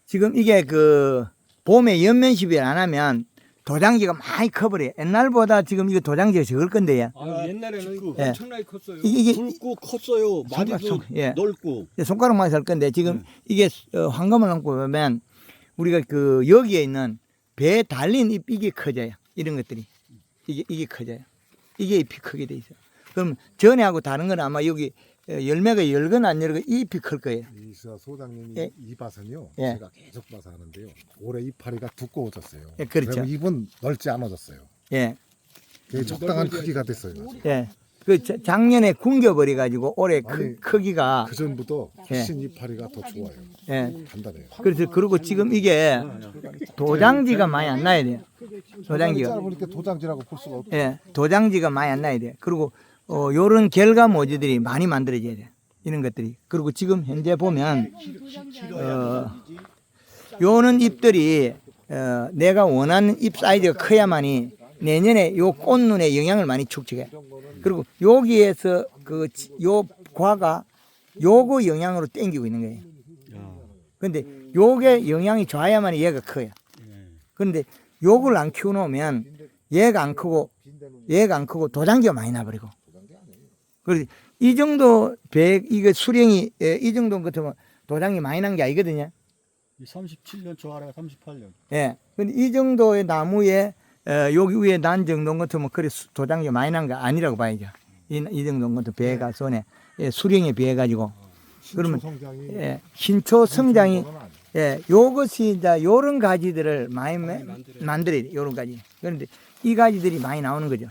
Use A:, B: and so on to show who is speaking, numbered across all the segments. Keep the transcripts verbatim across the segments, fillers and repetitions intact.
A: 지금 이게 그 봄에 연면시비를 안 하면 도장지가 많이 커버려요. 옛날보다 지금 이거 도장지가 적을 건데요.
B: 아, 옛날에는
A: 예.
B: 엄청나게 컸어요.
A: 이게, 이게
C: 굵고 컸어요. 마디도
A: 손- 예.
C: 넓고.
A: 손가락만 할 건데 지금 이게 어, 황금을 넘고 보면 우리가 그 여기에 있는 배에 달린 잎 이게 커져요. 이런 것들이 이게 이게 커져요. 이게 잎이 크게 돼 있어요. 그럼 전에하고 다른 건 아마 여기 어, 열매가 열거나 안 열거 이 잎이 클 거예요.
D: 이서 소장님이
A: 예.
D: 이 밭은요.
A: 예.
D: 제가 계속 봐서 하는데요. 올해 이파리가 두꺼워졌어요.
A: 예, 그렇죠.
D: 그리고 잎은 넓지 않아졌어요.
A: 예,
D: 그게 적당한 크기가 됐어요. 아주.
A: 예. 그 자- 작년에 굶겨버려 가지고 올해 크,
D: 아니,
A: 크기가
D: 그 전부터
A: 예.
D: 훨씬 이파리가 더 좋아요.
A: 예.
D: 단단해요.
A: 그래서 그리고 지금 이게 도장지가 많이 안 나야 돼요. 도장지가.
D: 짧으니까 도장지라고 볼 수가 없죠.
A: 예, 도장지가 많이 안 나야 돼. 그리고 어, 요런 결과 모지들이 많이 만들어져야 돼. 이런 것들이. 그리고 지금 현재 보면 어, 요는 잎들이 어, 내가 원하는 잎 사이즈가 커야만이 내년에 요 꽃눈에 영향을 많이 축적해. 그리고 여기에서 그 요 과가 요거 영향으로 땡기고 있는 거예요. 근데 요게 영향이 좋아야만 얘가 커요. 그런데 요걸 안 키워놓으면 얘가 안 크고 얘가 안 크고 도장지가 많이 나버리고. 그래서 이 정도 배 이거 수령이 예, 이 정도 같으면 도장이 많이 난 게 아니거든요.
C: 삼십칠 년 저 아래가 삼십팔 년.
A: 예. 근데 이 정도의 나무에 어, 여기 위에 난 정도 같으면 그래 수- 도장이 많이 난 거 아니라고 봐야죠. 이, 이 정도 같은 배가 손에 예, 수령에 비해 가지고 그러면
D: 성장이
A: 예, 신초 성장이 예, 요것이 이제 요런 가지들을 많이 매-
B: 만들어요.
A: 만들어야 돼. 요런 가지. 그런데 이 가지들이 많이 나오는 거죠.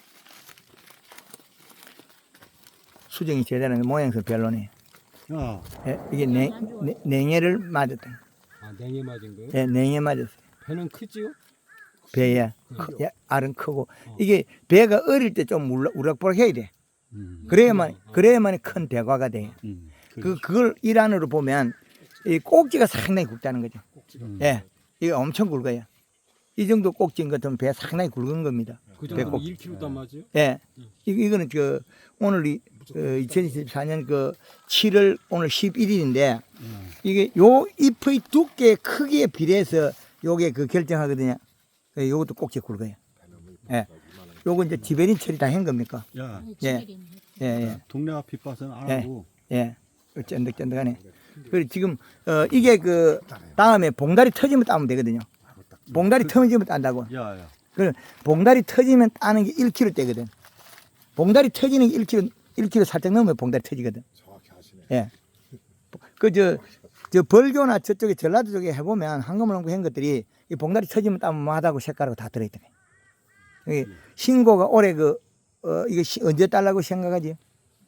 A: 수정이 제대로 모양새 별로네.
C: 야,
A: 예, 이게 냉, 냉- 냉해를 맞았다.
B: 아, 냉해 맞은 거예요?
A: 예, 냉해 맞았어요.
B: 배는 크지요?
A: 배에 크- 예, 알은 크고 이게 배가 어릴 때 좀 우락부락 해야 돼.
C: 음,
A: 그래야만 그래야만 큰 대과가 돼요.
C: 음,
A: 그 그걸 일환으로 보면 이 꼭지가 상당히 굵다는 거죠.
C: 음.
A: 예, 이게 엄청 굵어요. 이 정도 꼭지인 것 같으면 배 상당히 굵은 겁니다.
B: 그
A: 배꼽.
B: 정도 일 킬로그램 맞아요?
A: 예, 이, 이거는 그 오늘 이, 어, 이천이십사 년 그 칠월 오늘 십일 일인데 이게 요 잎의 두께 크기에 비례해서 요게 그 결정하거든요. 그 요것도 꼭지 굵어요. 예, 요거 이제 지베린 처리 다 한 겁니까?
C: 야,
A: 예, 예, 예.
C: 동네 앞 빗밭은 안
A: 예.
C: 하고.
A: 예, 쫀득쫀득하네. 그리고 지금 어 이게 그 다음에 봉다리 터지면 따면 되거든요. 봉다리 터지면 딴다고.
C: 야, 야.
A: 그 봉다리 터지면 따는 게 일 킬로그램 대거든. 봉다리 터지는 게 일 킬로그램, 일 킬로그램 살짝 넘으면 봉다리 터지거든.
D: 정확히 하시네.
A: 예. 그 저 저 벌교나 저쪽에 전라도 쪽에 해보면 한금을 한 것들이 이 봉다리 터지면 따면 마다고 색깔하고 다 들어있더래. 이 신고가 올해 그 어 이거 시- 언제 딸라고 생각하지?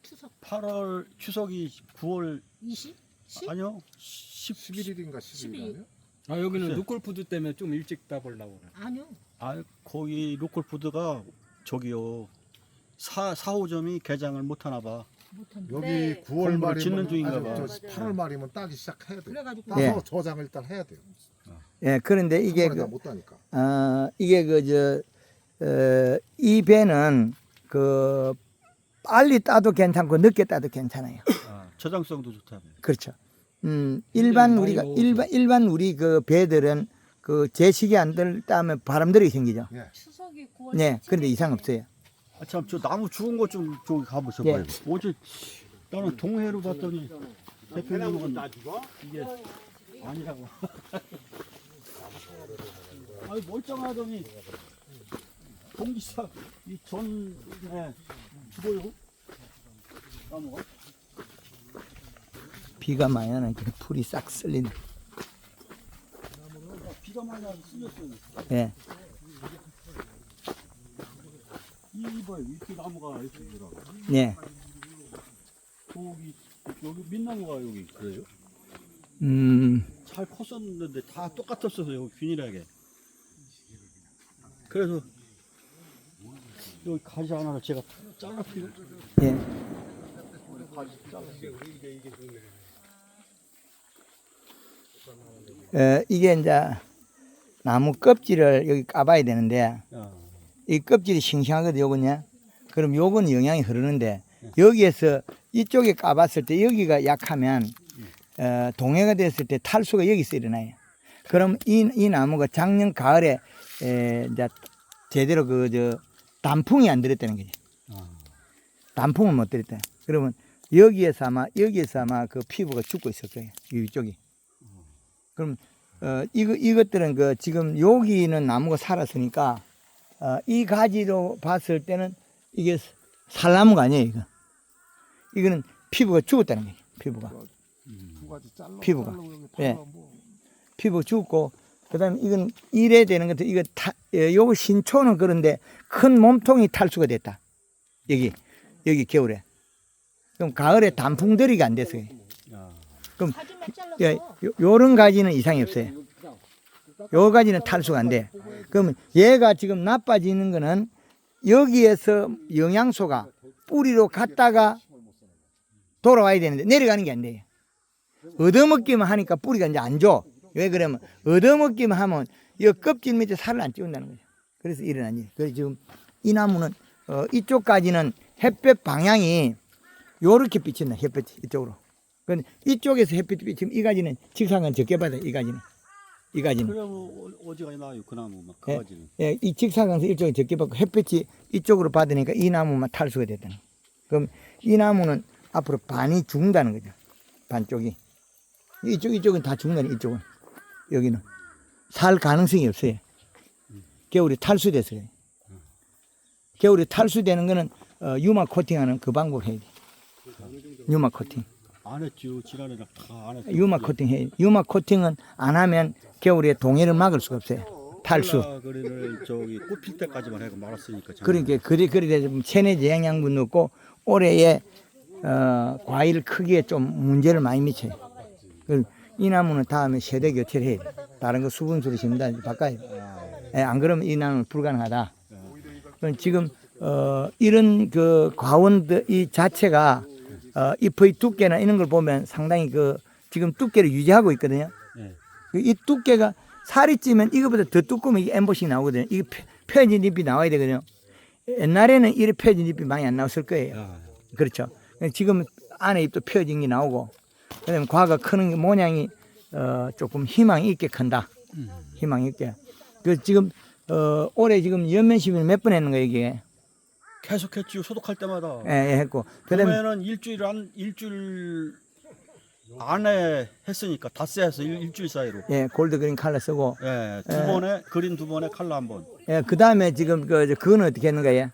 C: 팔월 추석이 구월
E: 이십? 십?
C: 아니요. 십
D: 십일 일인가 십일 일
B: 아, 여기는
C: 글쎄.
B: 루콜푸드 때문에 좀 일찍 따보려고 그래.
E: 아니요.
C: 아, 거기 로컬푸드가 저기요. 사, 사호점이 개장을 못 하나 봐.
E: 못한데.
D: 여기 구월
C: 공부를
D: 말이면
C: 짓는 중인가
D: 아니,
C: 봐.
D: 저 팔월 말이면 따기 시작해야 돼요.
E: 그래가지고
D: 따서
A: 예.
D: 저장을 일단 해야 돼요.
A: 예, 그런데 이게
D: 이게
A: 그
D: 못 따니까.
A: 어, 이게 그, 저, 어, 이 배는 그, 빨리 따도 괜찮고 늦게 따도 괜찮아요.
C: 아, 저장성도 좋다며.
A: 그렇죠. 음, 일반
B: 많이
A: 우리가,
B: 먹어서.
A: 일반, 일반 우리 그 배들은 그 제식이 안 들, 따면 바람들이 생기죠.
D: 예.
E: 추석이 구월
A: 네, 그런데 이상 없어요.
C: 아, 참, 저 나무 죽은 거 좀 저기 가보셔
A: 예.
C: 봐요. 어제 나는 동해로 봤더니 대표님은 이게 아니라고. 아니 멀쩡하더니 공기사 이 전에 죽어요. 나무가.
A: 비가 많이 나니까 풀이 싹 쓸리네.
C: 비가 많이 나서 쓸렸어요.
A: 예.
C: 이 이봐요. 이렇게 나무가 이렇게 더라고.
A: 예.
C: 저기 여기 민나무가 여기 그래요?
A: 음,
C: 잘 컸었는데 다 똑같았어요. 여기 균일하게. 그래서 여기 가지 하나를 제가 잘라피고
A: 예.
C: 가지 잘랐어요.
A: 어, 이게 이제 나무 껍질을 여기 까봐야 되는데,
C: 야,
A: 이 껍질이 싱싱하거든, 요거냐? 그럼 요건 영양이 흐르는데, 여기에서 이쪽에 까봤을 때 여기가 약하면, 어, 동해가 됐을 때 탈수가 여기서 일어나요. 그럼 이, 이 나무가 작년 가을에 에, 이제 제대로 그 저 단풍이 안 들었다는 거지.
B: 아.
A: 단풍을 못 들었다. 그러면 여기에서 아마 여기에서 아마 그 피부가 죽고 있을 거예요. 이쪽이. 그럼 어, 이거 이것들은 그 지금 여기는 나무가 살았으니까 어, 이 가지로 봤을 때는 이게 살나무가 아니에요. 이거. 이거는 피부가 죽었다는 거예요. 피부가.
D: 두 가지 잘라.
A: 피부가.
D: 잘라 그러면
A: 예.
D: 발라 뭐.
A: 피부 죽고 그다음에 이건 이래 되는 것도 이거 타, 예, 요거 신초는 그런데 큰 몸통이 탈수가 됐다. 여기 여기 겨울에. 그럼 가을에 단풍들이가 안 됐어요.
B: 야.
A: 그럼
E: 가지만 잘라서
A: 예, 요, 요런 가지는 이상이 없어요. 요 가지는 탈수가 안 돼. 그러면 얘가 지금 나빠지는 거는 여기에서 영양소가 뿌리로 갔다가 돌아와야 되는데 내려가는 게 안 돼요. 얻어먹기만 하니까 뿌리가 이제 안 줘. 왜 그러면 얻어먹기만 하면 이 껍질 밑에 살을 안 찌운다는 거죠. 그래서 일어난 일. 그래서 지금 이 나무는 어, 이쪽까지는 햇볕 방향이 요렇게 비친다. 햇볕이 이쪽으로. 근데 이쪽에서 햇빛이 비치면 이 가지는 직사광 적게 받아요. 이 가지는. 이 가지는.
C: 그래 뭐 어지간히 나요 그 나무 막그
A: 예.
C: 가지는.
A: 예, 이 직사광선 일쪽에 적게 받고 햇빛이 이쪽으로 받으니까 이 나무만 탈수가 됐다는 거예요. 그럼 이 나무는 앞으로 반이 죽는다는 거죠. 반쪽이. 이쪽, 이쪽은 다 죽는다는 이쪽은. 여기는. 살 가능성이 없어요. 겨울에 탈수됐어요. 겨울에 탈수되는 거는 어, 유마 코팅하는 그 방법 해야 돼. 유마 코팅.
C: 안 했죠. 지난해랑 다 안 했죠.
A: 유마 코팅 해. 유마 코팅은 안 하면 겨울에 동해를 막을 수가 없어요. 탈수.
C: 그리를 저기 꽃필 때까지만 해고 말았으니까.
A: 그러니까 그리 그리 돼서 체내제 영양분 넣고 올해에 어, 과일 크기에 좀 문제를 많이 미쳐요. 그 이 나무는 다음에 세대 교체를 해야 돼. 다른 거 수분수로 심다 바꿔야 돼. 예, 안 그러면 이 나무는 불가능하다. 그럼 지금 어, 이런 그 과원들 이 자체가 어, 잎의 두께나 이런 걸 보면 상당히 그 지금 두께를 유지하고 있거든요.
C: 네.
A: 이 두께가 살이 찌면 이거보다 더 두꺼우면 이게 엠보싱이 나오거든요. 이게 펴- 펴진 잎이 나와야 되거든요. 옛날에는 이렇게 펴진 잎이 많이 안 나왔을 거예요.
C: 야,
A: 그렇죠. 지금 안에 잎도 펴진 게 나오고, 그다음에 과가 크는 게 모양이 어, 조금 희망이 있게 큰다. 희망이 있게. 그 지금 어, 올해 지금 연면 시비를 몇 번 했는 거예요 이게.
C: 계속 했지요. 소독할 때마다.
A: 예, 예, 했고. 그다음에
C: 봄에는 일주일 안 일주일 안에 했으니까 닷새 해서 일, 일주일 사이로.
A: 예, 골드 그린 칼라 쓰고.
C: 예, 두
A: 예.
C: 번에 그린 두 번에 칼라 한 번.
A: 예, 그다음에 지금 그 저, 그건 어떻게 했는 거예요?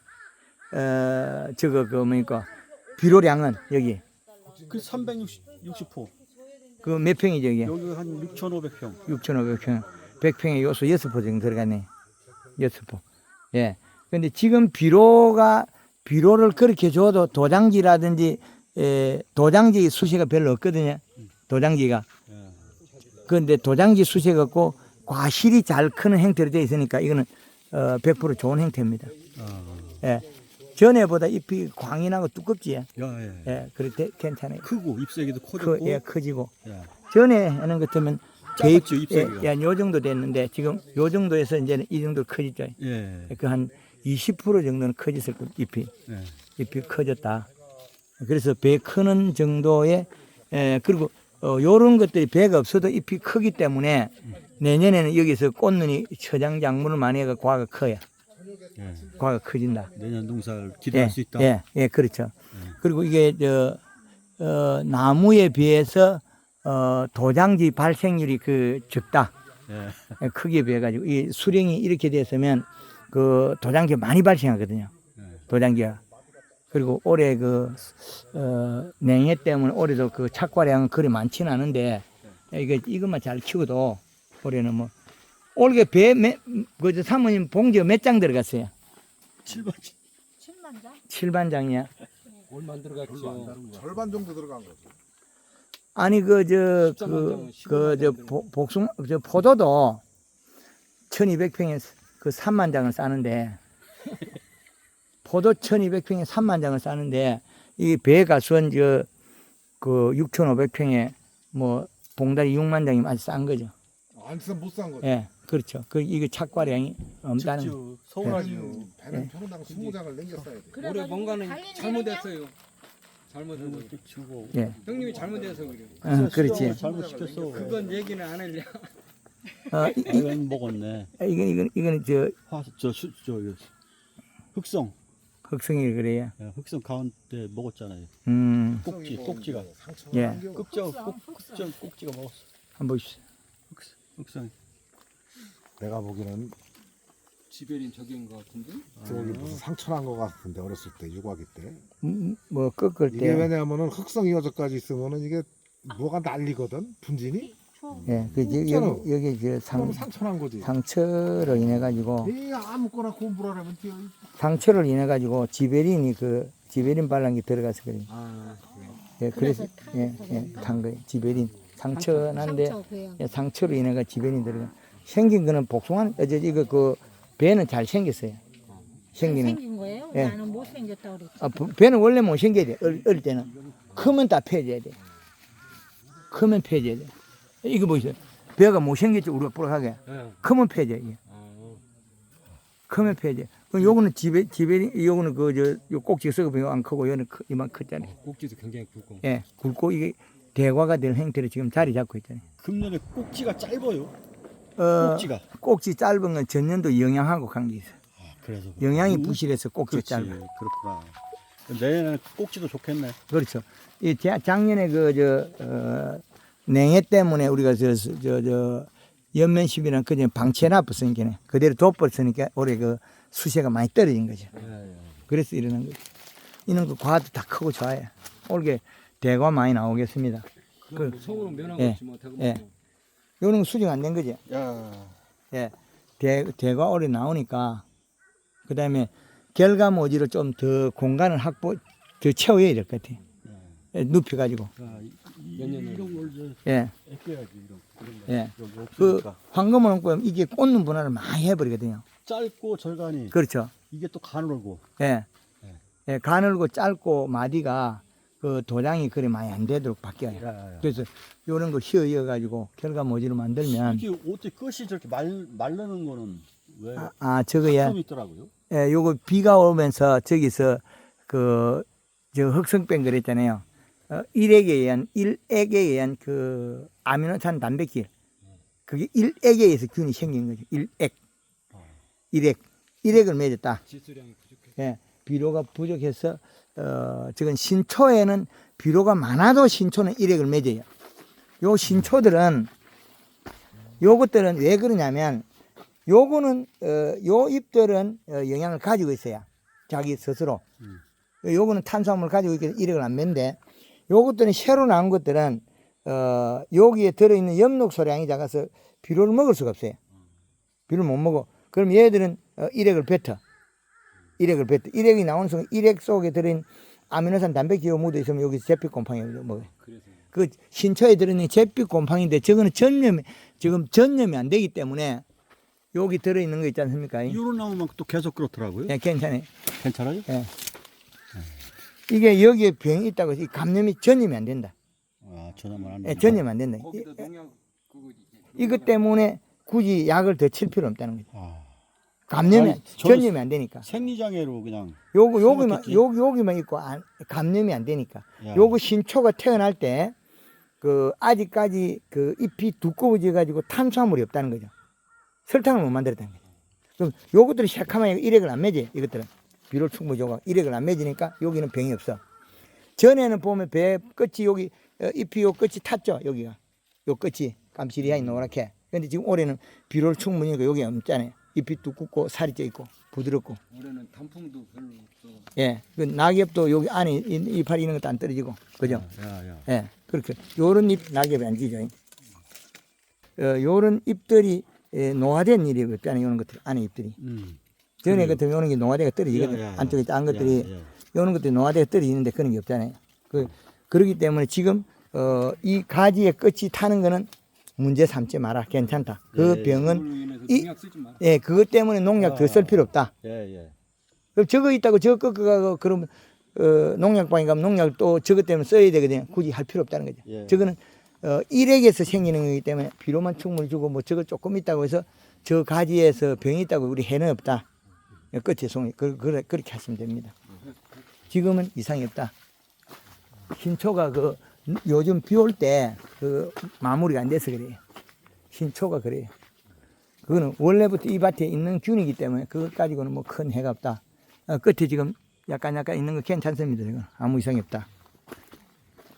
A: 어, 저거 그 뭡니까? 비료량은 여기
C: 그 삼백육십 호.
A: 그 몇 평이죠 이게?
C: 여기 한 육천오백 평.
A: 육천오백 평, 백 평에 요소 여섯 포 정도 들어가네. 여섯 포. 예. 근데 지금 비료가, 비료를 그렇게 줘도 도장지라든지, 에, 도장지 수세가 별로 없거든요. 도장지가.
C: 예.
A: 그런데 도장지 수세가 없고 과실이 잘 크는 형태로 되어 있으니까 이거는 어, 백 퍼센트 좋은 형태입니다.
C: 아,
A: 예. 전에보다 잎이 광이 나고 두껍지. 예.
C: 야, 예.
A: 예. 그래, 괜찮아요.
C: 크고 잎새기도
A: 크,
C: 커졌고.
A: 예, 커지고.
C: 예.
A: 전에 하는 것 같으면
C: 작았죠,
A: 예,
C: 잎새기가.
A: 예, 요 정도 됐는데 지금 요 정도에서 이제는 이 정도 커졌죠.
C: 예.
A: 그 한 이십 퍼센트 정도는 커졌을 거 잎이
C: 예.
A: 잎이 커졌다. 그래서 배 크는 정도의 에, 그리고 어, 요런 것들이 배가 없어도 잎이 크기 때문에 내년에는 여기서 꽃눈이 처장작물을 많이 해가 과가 커요.
C: 예.
A: 과가 커진다.
C: 내년 농사를 기대할
A: 예,
C: 수 있다.
A: 예, 예, 그렇죠. 그리고 이게 저 어, 나무에 비해서 어, 도장지 발생률이 그 적다.
C: 예.
A: 크기에 비해 가지고 이 수령이 이렇게 됐으면 그 도장지가 많이 발생하거든요.
C: 예.
A: 도장지가. 그리고 올해 그 어, 냉해 때문에 올해도 그 착과량은 그리 많지는 않은데 이거 이것만 잘 키워도 올해는 뭐 올해 배그 사모님 봉지가 몇 장 들어갔어요?
C: 칠번.
E: 칠만 장?
A: 칠반 장이야.
B: 얼마 안 들어갔죠.
D: 절반 정도 들어간 거죠.
A: 아니 그 저
B: 십삼만
A: 그
B: 장은
A: 그 저
B: 십오만 장
A: 복숭 저 포도도 천이백 평에 그 삼만 장을 싸는데 포도 천이백 평에 삼만 장을 싸는데 이 배 가수원 저그 육천오백 평에 뭐 봉다리 육만 장이면 아주 싼 거죠.
D: 안 쓰면 못 산 거죠.
A: 예, 그렇죠. 그 이거 착과량이 없다는 거.
C: 직주 서운하지요.
D: 배는, 배는 평당 스무 장을 남겼어야 돼.
B: 올해 뭔가는 잘못했어요. 잘못해서 그래.
C: 또 치고.
A: 예.
B: 형님이 잘못해서 그래.
A: 어, 그렇지.
C: 잘못 시켰어.
B: 그건 얘기는 안 할래.
A: 어, 이, 이,
C: 이건 먹었네.
A: 이건 이건 이건 저
C: 화, 저, 수, 저, 이거 흑성.
A: 흑성이 그래요.
C: 예, 흑성 가운데 먹었잖아요.
A: 음,
C: 꼭지, 꼭지가.
A: 예.
C: 꼭지가, 꼭, 꼭지, 꼭지가 먹었어.
A: 한번 보십시오.
C: 흑성. 흑성.
D: 내가 보기에는
B: 지배린 저기인 것 같은데?
D: 저기 무슨 상처 난 거 같은데 어렸을 때 유아기 때.
A: 음, 뭐 꺾을
D: 이게
A: 때,
D: 왜냐하면은 흑성 이어져까지 있으면은 이게 뭐가 날리거든 분진이.
A: 예, 그 여기
D: 있잖아.
A: 여기, 여기 저 상,
D: 그럼 상처 난 거지.
A: 상처로 인해 가지고
D: 이 아무거나 공부를 하면 뛰어.
A: 상처를 인해 가지고 지베린이 그 지베린 발란기 들어가서 그래.
B: 아,
A: 예, 그래서 예, 예, 탄 거예요. 지베린 상처 난데 예, 상처로 인해 가 지베린 들어가. 생긴 거는 복숭아 어제 이거 그 배는 잘 생겼어요. 생기는
E: 생긴 거예요?
A: 예.
E: 나는 못 생겼다 그랬지.
A: 아, 부- 배는 원래 못 생겨야 돼. 어릴, 어릴 때는 크면 다 펴져야 돼. 크면 펴져야 돼. 이거 보세요. 배가 못 생겼죠. 우리가 뿌락하게.
B: 예.
A: 크면 펴져. 이게.
B: 어.
A: 크면 펴져. 그럼 요거는 지베 지베린 요거는 그 저 요 꼭지가 썩으면 안 크고 요는 크, 이만 크잖아요.
B: 꼭지도 굉장히 굵고.
A: 예, 굵고 이게 대과가 될 형태로 지금 자리 잡고 있잖아요.
C: 금년에 꼭지가 짧아요.
A: 어,
C: 꼭지가.
A: 꼭지 짧은 건 전년도 영양하고 관계 있어요.
C: 아, 그래서.
A: 영양이
C: 음,
A: 부실해서 꼭지가
C: 그렇지.
A: 짧아.
C: 그렇구나. 내년에는 꼭지도 좋겠네.
A: 그렇죠. 이 자- 작년에 그 저 어, 냉해 때문에 우리가 저 저 저 연면십이랑 그전 방치해 놨었으니까 그대로 돋버렸으니까 올해 그 수세가 많이 떨어진 거죠.
B: 예, 예.
A: 그래서 이러는 거죠. 이런 거 과도 다 크고 좋아요. 올게 대과 많이 나오겠습니다.
B: 그럼
A: 그-
B: 뭐 성으로 면한
A: 예,
B: 거지 뭐 대금
A: 예.
B: 뭐.
A: 요런 거 수정 안 된 거죠.
C: 야.
A: 예, 대, 대과 올해 나오니까 그 다음에 결과모지를 좀 더 공간을 확보 더 채워야 될 것 같아요. 예, 눕혀가지고.
C: 야, 이, 이,
B: 몇 년에
C: 이런 걸 이제
A: 예,
C: 애껴야지 이런 그런 거.
A: 예.
C: 이런 거
A: 그
C: 없으니까.
A: 황금을 얹고 이게 꽂는 분할을 많이 해버리거든요.
C: 짧고 절간이
A: 그렇죠.
C: 이게 또 가늘고.
A: 예,
C: 예.
A: 예, 가늘고 짧고 마디가 그 도장이 그리 많이 안 되도록 바뀌어요.
C: 야, 야, 야.
A: 그래서 요런 거 휘어 이어가지고 결과모지로 만들면
C: 이게 어떻게 끝이 저렇게 말 말르는 거는 왜?
A: 아, 아 저거야.
C: 좀 있더라고요.
A: 예, 요거 비가 오면서 저기서 그 저 흑성병 그랬잖아요. 어, 일액에 의한 일액에 의한 그 아미노산 단백질 그게 일액에 의해서 균이 생긴 거죠. 일액, 일액, 일액을 맺었다.
B: 지수량이 부족해.
A: 예, 비료가 부족해서 어, 지금 신초에는 비료가 많아도 신초는 일액을 맺어요. 요 신초들은 요것들은 왜 그러냐면 요거는 어, 요 잎들은 어, 영양을 가지고 있어요. 자기 스스로.
C: 음.
A: 요거는 탄수화물을 가지고 있기 때문에 일액을 안 맺는데 요것들은 새로 나온 것들은 어, 여기에 들어있는 엽록소량이 작아서 비료를 먹을 수가 없어요. 비료를 못 먹어. 그럼 얘들은 어, 일액을 뱉어. 일액을 뱉어. 일액이 나오는 순간 일액 속에 들어있는 아미노산 단백질이 묻어 있으면 여기서 잿빛곰팡이가 먹어요.
B: 그래서
A: 그 신초에 들어있는 잿빛곰팡인데 저거는 전염이 지금 전염이 안 되기 때문에 여기 들어있는 거 있지 않습니까?
C: 이런 나오면 또 계속 그렇더라고요.
A: 예, 괜찮아요.
C: 괜찮아요?
A: 예. 이게 여기에 병이 있다고 해서 이 감염이 전염이 안 된다.
C: 아, 전화만 안
A: 예,
C: 된다.
A: 전염이 안 된다. 이,
B: 거기다 농약 그거 이제
A: 이것 때문에 굳이 약을 더 칠 필요 없다는 거죠.
C: 아,
A: 감염이
C: 아니, 저는
A: 전염이 안 되니까.
C: 생리장애로 그냥.
A: 요거 여기만
C: 생각했지.
A: 여기 여기만 있고 안, 감염이 안 되니까.
C: 야.
A: 요거 신초가 태어날 때 그 아직까지 그 잎이 두꺼워져 가지고 탄수화물이 없다는 거죠. 설탕을 못 만들었다는 거죠. 그럼 요것들이 새카만 일액을 안 맺어요. 이것들은 비료를 충분히 줘가 일액을 안 맺으니까 여기는 병이 없어. 전에는 보면 배 끝이 여기 어, 잎이 요 끝이 탔죠. 여기가 요 끝이 감시리아이 노랗게. 근데 지금 올해는 비료를 충분히 하니까 여기 없잖아요. 잎이 두껍고 살이 쪄 있고 부드럽고.
B: 올해는 단풍도 별로 없어.
A: 예, 그 낙엽도 여기 안에 이- 이파리 있는 것도 안 떨어지고, 그죠?
C: 야, 야.
A: 예, 그렇게 요런 잎 낙엽이 안 지죠. 어, 요런 잎들이 예, 노화된 일이 없잖아요. 요런 것들 안에 잎들이.
C: 음.
A: 전에 같은 요런 게 노화대가 떨어지거든.
C: 야, 야, 야.
A: 안쪽에 짠 것들이
C: 야, 야.
A: 요런 것들이 노화대가 떨어지는데 그런 게 없잖아요. 그 그렇기 때문에 지금 어, 이 가지의 끝이 타는 거는 문제 삼지 마라. 괜찮다. 그
C: 예,
A: 병은
B: 그걸로 인해서
A: 이-
B: 농약 쓰지 마.
A: 예, 그것 때문에 농약 더 쓸 필요 없다.
C: 예, 예.
A: 그럼 저거 있다고 저거 꺾어가고 그러면 어, 농약방에 가면 농약 또 저것 때문에 써야 되거든요. 굳이 할 필요 없다는 거죠.
C: 예.
A: 저거는 어, 일액에서 생기는 거기 때문에 비료만 충분히 주고 뭐 저거 조금 있다고 해서 저 가지에서 병이 있다고 우리 해는 없다. 끝에 송이 그, 그, 그렇게 하시면 됩니다. 지금은 이상이 없다. 신초가 그 요즘 비 올 때 그 마무리가 안 돼서 그래요. 신초가 그래요. 그거는 원래부터 이 밭에 있는 균이기 때문에 그것 가지고는 뭐 큰 해가 없다. 어, 끝에 지금 약간 약간 있는 거 괜찮습니다. 지금 아무 이상이 없다.